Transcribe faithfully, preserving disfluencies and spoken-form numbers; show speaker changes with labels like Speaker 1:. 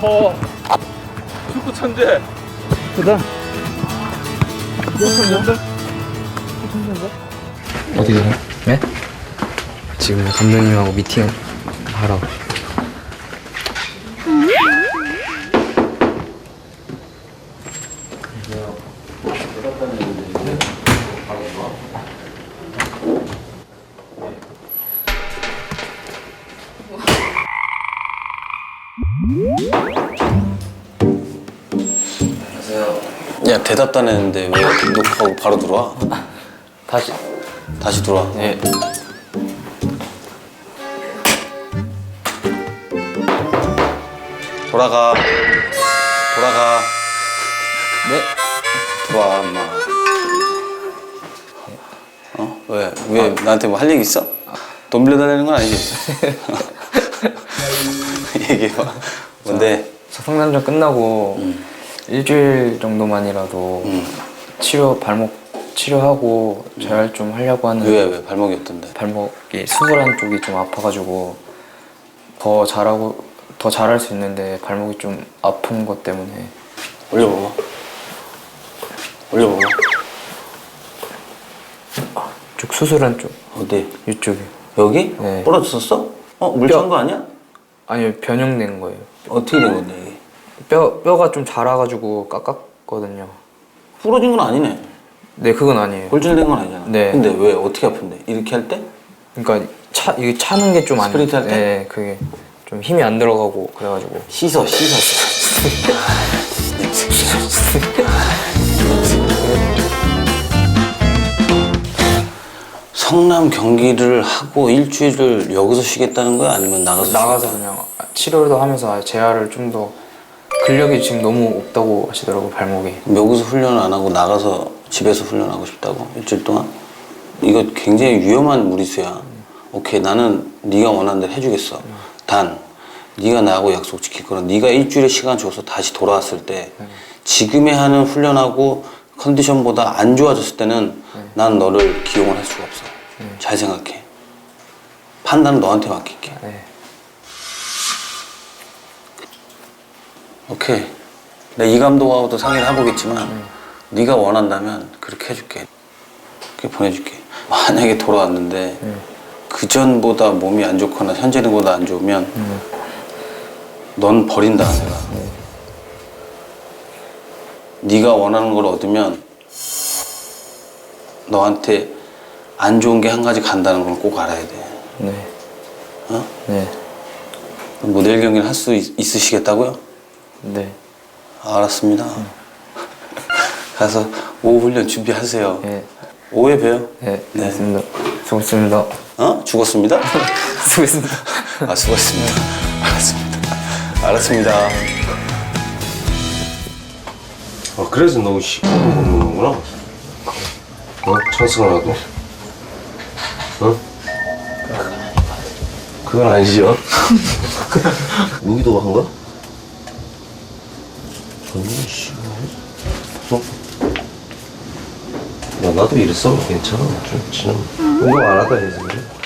Speaker 1: 어, 축구 천재.
Speaker 2: 그다.
Speaker 1: 축구 천재.
Speaker 2: 어디 가요? 네? 지금 감독님하고 미팅 하러.
Speaker 3: 야, 대답도 안 했는데 왜 녹화하고 바로 들어와?
Speaker 2: 다시.
Speaker 3: 다시 들어와.
Speaker 2: 네.
Speaker 3: 돌아가. 돌아가.
Speaker 2: 네.
Speaker 3: 들어와, 엄마. 어? 왜? 왜 나한테 뭐 할 얘기 있어? 돈 빌려달라는 건 아니지? 얘기해봐. 뭔데?
Speaker 2: 저 상담전 끝나고
Speaker 3: 음.
Speaker 2: 일주일 정도만이라도
Speaker 3: 음.
Speaker 2: 치료 발목 치료하고 재활 좀 하려고 하는.
Speaker 3: 왜, 왜? 발목이 어떤데?
Speaker 2: 발목이 수술한 쪽이 좀 아파가지고 더 잘하고 더 잘할 수 있는데 발목이 좀 아픈 것 때문에.
Speaker 3: 올려봐봐. 올려봐봐.
Speaker 2: 쪽 수술한 쪽
Speaker 3: 어디?
Speaker 2: 이쪽이.
Speaker 3: 여기?
Speaker 2: 네.
Speaker 3: 부러졌었어? 어? 물 찬 거 아니야?
Speaker 2: 아니요, 변형된 거예요.
Speaker 3: 어떻게 된 건데, 이게?
Speaker 2: 뼈 뼈가 좀 자라가지고 깎았거든요.
Speaker 3: 부러진 건 아니네.
Speaker 2: 네, 그건 아니에요.
Speaker 3: 골절된 건 아니잖아.
Speaker 2: 네.
Speaker 3: 근데 왜? 어떻게 아픈데? 이렇게 할 때?
Speaker 2: 그러니까 차 이게 차는 게 좀 안.
Speaker 3: 스프린트 할 때?
Speaker 2: 네, 그게 좀 힘이 안 들어가고 그래가지고.
Speaker 3: 씻어, 씻어. 성남 경기를 하고 일주일을 여기서 쉬겠다는 거야? 아니면 나가서
Speaker 2: 나가서
Speaker 3: 쉬겠다?
Speaker 2: 그냥 치료도 하면서 재활을 좀 더. 근력이 지금 너무 없다고 하시더라고, 발목이.
Speaker 3: 그럼 여기서 훈련을 안 하고 나가서 집에서 훈련하고 싶다고? 일주일 동안? 이거 굉장히 위험한 무리수야. 오케이, 나는 네가 원하는 대로 해주겠어. 단 네가 나하고 약속 지킬 거는 네가 일주일의 시간 줘서 다시 돌아왔을 때 지금의 하는 훈련하고 컨디션보다 안 좋아졌을 때는 난 너를 기용을 할 수가 없어. 잘 생각해. 판단은 너한테 맡길게.
Speaker 2: 네.
Speaker 3: 오케이. 내가 이 감독하고도 상의를 해보겠지만 네가 원한다면 그렇게 해줄게. 그렇게 보내줄게. 만약에 돌아왔는데 그 전보다 몸이 안 좋거나 현재는보다 안 좋으면 넌 버린다, 내가. 네가 원하는 걸 얻으면 너한테 안 좋은 게 한 가지 간다는 걸 꼭 알아야 돼.
Speaker 2: 네.
Speaker 3: 어?
Speaker 2: 네.
Speaker 3: 뭐 내일 경기를 할 수 있으시겠다고요?
Speaker 2: 네.
Speaker 3: 알았습니다. 가서 오후 훈련 준비하세요.
Speaker 2: 네.
Speaker 3: 오후에 봬요.
Speaker 2: 네. 네. 알겠습니다. 수고했습니다.
Speaker 3: 어? 죽었습니다?
Speaker 2: 수고했습니다.
Speaker 3: 아, 수고했습니다. 알았습니다. 알았습니다.
Speaker 4: 아, 그래서 너 시커먼 거 먹는구나. 어? 찬스가 나도. 어? 그건 아니죠. 무기도 한 거야? 아니, 씨. 어? 야, 나도 이랬어. 괜찮아. 좀 지금 운동 안 하다 해서 그래.